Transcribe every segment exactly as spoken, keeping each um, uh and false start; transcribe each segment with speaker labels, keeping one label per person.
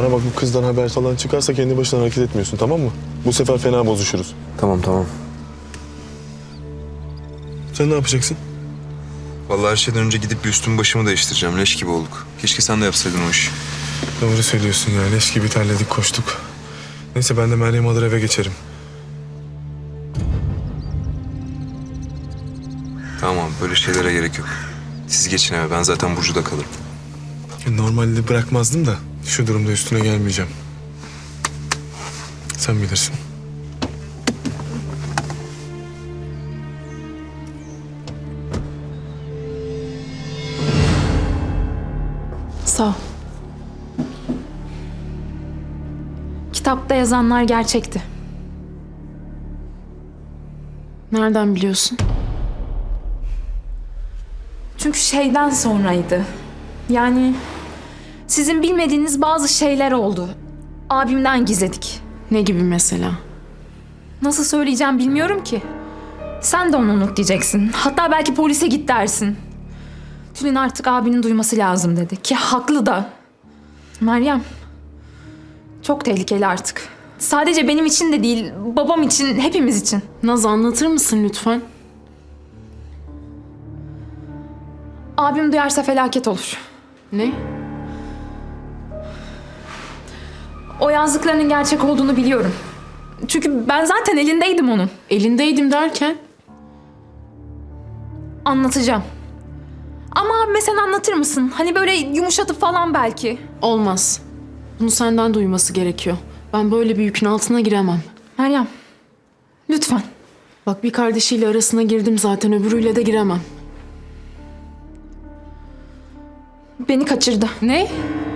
Speaker 1: Bana bak, bu kızdan haber falan çıkarsa kendi başına hareket etmiyorsun, tamam mı? Bu sefer fena bozuşuruz.
Speaker 2: Tamam tamam.
Speaker 1: Sen ne yapacaksın?
Speaker 2: Vallahi her şeyden önce gidip bir üstümü başımı değiştireceğim. Leş gibi olduk. Keşke sen de yapsaydın o işi.
Speaker 1: Doğru söylüyorsun ya. Leş gibi terledik, koştuk. Neyse, ben de Meryem alır eve geçerim.
Speaker 2: Tamam, böyle şeylere gerek yok. Siz geçin eve. Ben zaten Burcu'da kalırım.
Speaker 1: Normalde bırakmazdım da şu durumda üstüne gelmeyeceğim. Sen bilirsin.
Speaker 3: Sağ ol. Kitapta yazanlar gerçekti.
Speaker 4: Nereden biliyorsun?
Speaker 3: Çünkü şeyden sonraydı. Yani sizin bilmediğiniz bazı şeyler oldu. Abimden gizledik.
Speaker 4: Ne gibi mesela?
Speaker 3: Nasıl söyleyeceğim bilmiyorum ki. Sen de onu unut diyeceksin. Hatta belki polise git dersin. Tülin artık abinin duyması lazım dedi. Ki haklı da. Meryem, çok tehlikeli artık. Sadece benim için de değil, babam için, hepimiz için.
Speaker 4: Naz, anlatır mısın lütfen?
Speaker 3: Abim duyarsa felaket olur.
Speaker 4: Ne?
Speaker 3: O yazdıklarının gerçek olduğunu biliyorum. Çünkü ben zaten elindeydim onun.
Speaker 4: Elindeydim derken?
Speaker 3: Anlatacağım. Ama abime sen anlatır mısın? Hani böyle yumuşatıp falan belki.
Speaker 4: Olmaz. Bunu senden duyması gerekiyor. Ben böyle bir yükün altına giremem.
Speaker 3: Meryem, lütfen.
Speaker 4: Bak, bir kardeşiyle arasına girdim zaten, öbürüyle de giremem.
Speaker 3: Beni kaçırdı.
Speaker 4: Ne?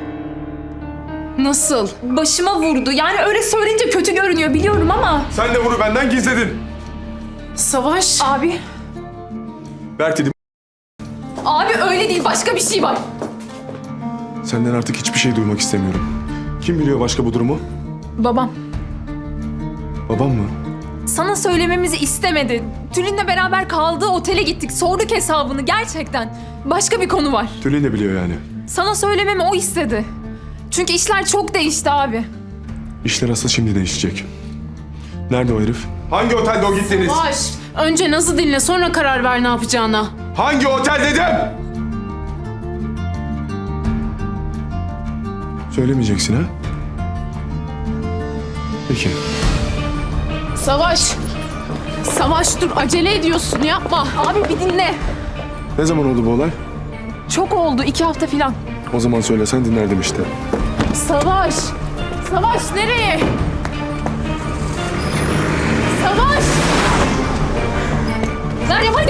Speaker 4: Nasıl?
Speaker 3: Başıma vurdu. Yani öyle söyleyince kötü görünüyor biliyorum ama...
Speaker 1: Sen de bunu benden gizledin.
Speaker 4: Savaş.
Speaker 3: Abi,
Speaker 1: Berk dedim.
Speaker 3: abi öyle değil. Başka bir şey var.
Speaker 1: Senden artık hiçbir şey duymak istemiyorum. Kim biliyor başka bu durumu?
Speaker 3: Babam.
Speaker 1: Babam mı?
Speaker 3: Sana söylememizi istemedi. Tülin'le beraber kaldığı otele gittik. Sorduk hesabını gerçekten. Başka bir konu var.
Speaker 1: Tülin de biliyor yani.
Speaker 3: Sana söylememi o istedi. Çünkü işler çok değişti abi.
Speaker 1: İşler asıl şimdi değişecek. Nerede o herif? Hangi otelde o gittiniz?
Speaker 4: Savaş. Önce Naz'ı dinle, sonra karar ver ne yapacağına.
Speaker 1: Hangi otel dedim? Söylemeyeceksin ha? Peki.
Speaker 4: Savaş. Savaş dur, acele ediyorsun, yapma.
Speaker 3: Abi bir dinle.
Speaker 1: Ne zaman oldu bu olay?
Speaker 3: Çok oldu. iki hafta falan.
Speaker 1: O zaman söylesen dinlerdim işte.
Speaker 4: Savaş. Savaş nereye? Savaş.
Speaker 3: Meryem hadi.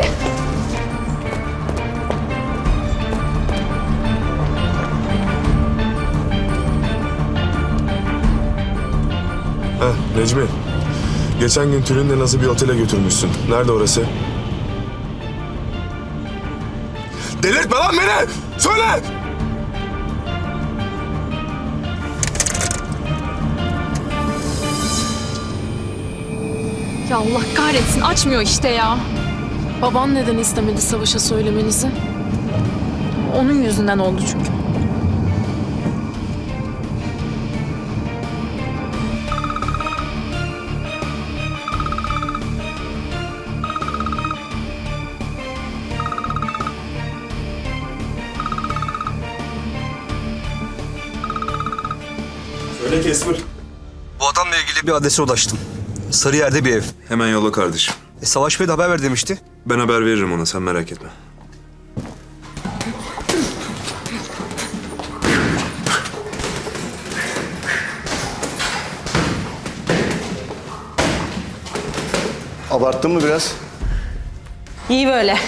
Speaker 1: Heh, Necmi. Geçen gün Tülin'le nasıl bir otele götürmüşsün. Nerede orası? Delirtme lan beni! Söyle!
Speaker 3: Ya Allah kahretsin. Açmıyor işte ya.
Speaker 4: Baban neden istemedi Savaş'a söylemenizi?
Speaker 3: Onun yüzünden oldu çünkü.
Speaker 1: Söyle Kesmir.
Speaker 5: Bu adamla ilgili bir adrese ulaştım. Sarıyer'de bir ev.
Speaker 2: Hemen yolla kardeşim.
Speaker 5: E, Savaş Bey de haber ver demişti.
Speaker 2: Ben haber veririm ona, sen merak etme.
Speaker 6: Abarttın mı biraz?
Speaker 7: İyi böyle.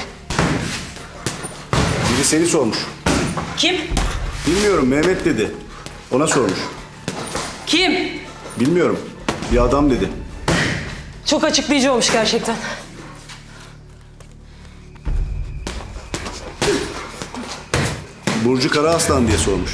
Speaker 6: Biri seni sormuş.
Speaker 7: Kim?
Speaker 6: Bilmiyorum, Mehmet dedi. Ona sormuş.
Speaker 7: Kim?
Speaker 6: Bilmiyorum. Bir adam dedi.
Speaker 7: Çok açıklayıcı olmuş gerçekten.
Speaker 6: Burcu Karaaslan diye sormuş.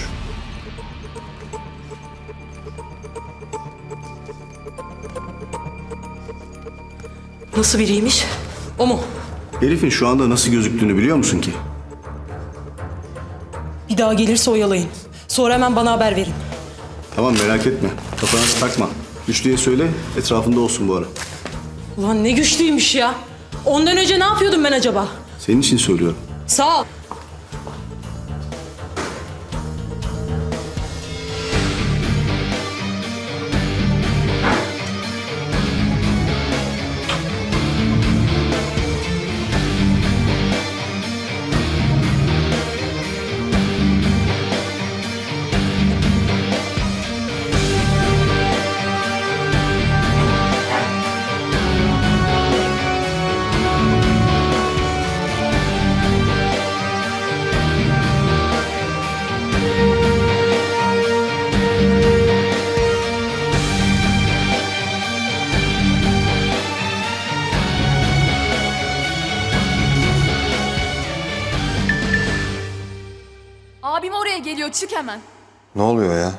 Speaker 7: Nasıl biriymiş? O mu?
Speaker 6: Herifin şu anda nasıl gözüktüğünü biliyor musun ki?
Speaker 7: Bir daha gelirse oyalayın. Sonra hemen bana haber verin.
Speaker 6: Tamam merak etme. Kafana takma. Güçlüye söyle etrafında olsun bu ara.
Speaker 7: Ulan ne güçlüymüş ya. Ondan önce ne yapıyordum ben acaba?
Speaker 6: Senin için söylüyorum.
Speaker 7: Sağ ol.
Speaker 3: Abim oraya geliyor, çık hemen.
Speaker 2: Ne oluyor ya?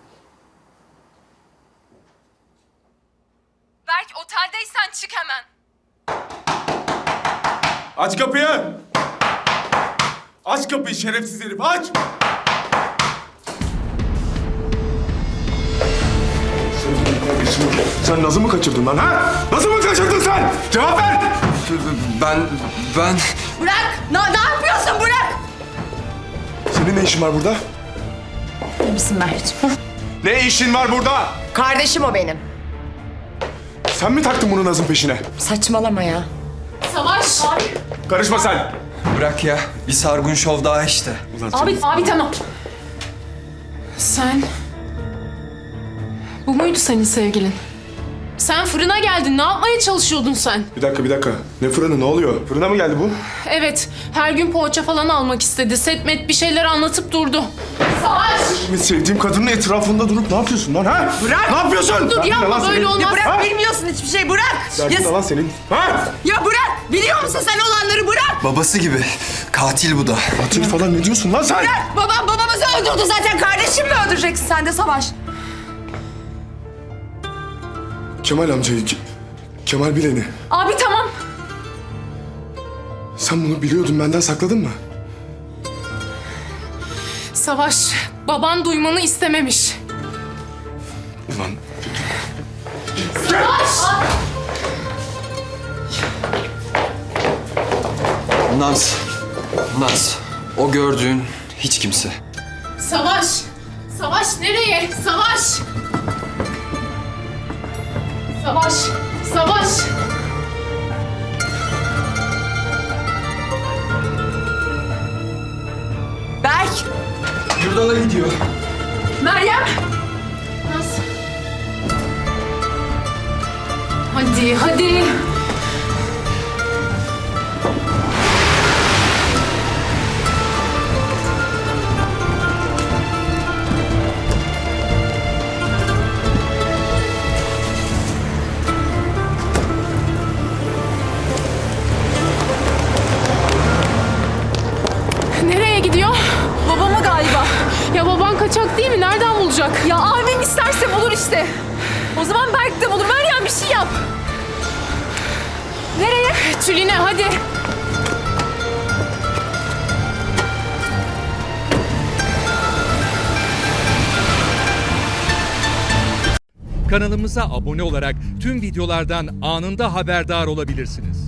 Speaker 3: Berk, oteldeysen çık hemen.
Speaker 1: Aç kapıyı! Aç kapıyı şerefsiz herif, aç! Sen Naz'ı mı kaçırdın lan ha? Naz'ı mı kaçırdın sen? Cevap ver!
Speaker 2: Ben, ben...
Speaker 8: Bırak! Ne, ne yapıyorsun? Bırak!
Speaker 1: Senin ne işin var burada?
Speaker 3: İyi misin Berk'ciğim?
Speaker 1: Ne işin var burada?
Speaker 8: Kardeşim o benim.
Speaker 1: Sen mi taktın bunu Naz'ın peşine?
Speaker 8: Saçmalama ya.
Speaker 3: Savaş! Abi,
Speaker 1: Karışma sen!
Speaker 5: Bırak ya. Bir sargun şov daha işte.
Speaker 1: Ulan
Speaker 3: abi, abi tamam.
Speaker 4: Sen... Bu muydu senin sevgilin? Sen fırına geldin. Ne yapmaya çalışıyordun sen?
Speaker 1: Bir dakika, bir dakika. Ne fırını, ne oluyor? Fırına mı geldi bu?
Speaker 4: Evet, her gün poğaça falan almak istedi. Setmet bir şeyler anlatıp durdu. Savaş!
Speaker 1: Benim sevdiğim kadının etrafında durup ne yapıyorsun lan ha?
Speaker 8: Bırak!
Speaker 1: Ne yapıyorsun?
Speaker 4: Dur
Speaker 1: Derdin ne
Speaker 4: yapma,
Speaker 1: lan
Speaker 4: böyle
Speaker 1: senin?
Speaker 4: olmaz.
Speaker 8: Bırak,
Speaker 1: Ha?
Speaker 8: bilmiyorsun hiçbir şey. Bırak!
Speaker 1: Derdin ne
Speaker 8: Ya,
Speaker 1: lan senin? Ha?
Speaker 8: ya bırak! Biliyor musun sen olanları? Bırak!
Speaker 5: Babası gibi. Katil bu da.
Speaker 1: Katil falan ne diyorsun lan sen?
Speaker 8: Babam babamızı öldürdü zaten. Kardeşim mi öldüreceksin sen de Savaş?
Speaker 1: Kemal amcayı, Ke- Kemal Bilen'i.
Speaker 3: Abi tamam.
Speaker 1: Sen bunu biliyordun, benden sakladın mı?
Speaker 4: Savaş, baban duymanı istememiş.
Speaker 1: Ulan
Speaker 5: Naz. Naz. O gördüğün hiç kimse.
Speaker 4: Savaş! Savaş nereye? Savaş! Savaş! Savaş!
Speaker 8: Berk!
Speaker 5: Yurdala gidiyor.
Speaker 3: Meryem!
Speaker 4: Naz. Hadi, hadi. Nereye gidiyor?
Speaker 3: Babama galiba.
Speaker 4: Ya baban kaçak değil mi? Nereden bulacak?
Speaker 3: Ya abim isterse bulur işte. O zaman Berk de bulur. Meryem bir şey yap. Nereye?
Speaker 4: Tüline hadi.
Speaker 9: Kanalımıza abone olarak tüm videolardan anında haberdar olabilirsiniz.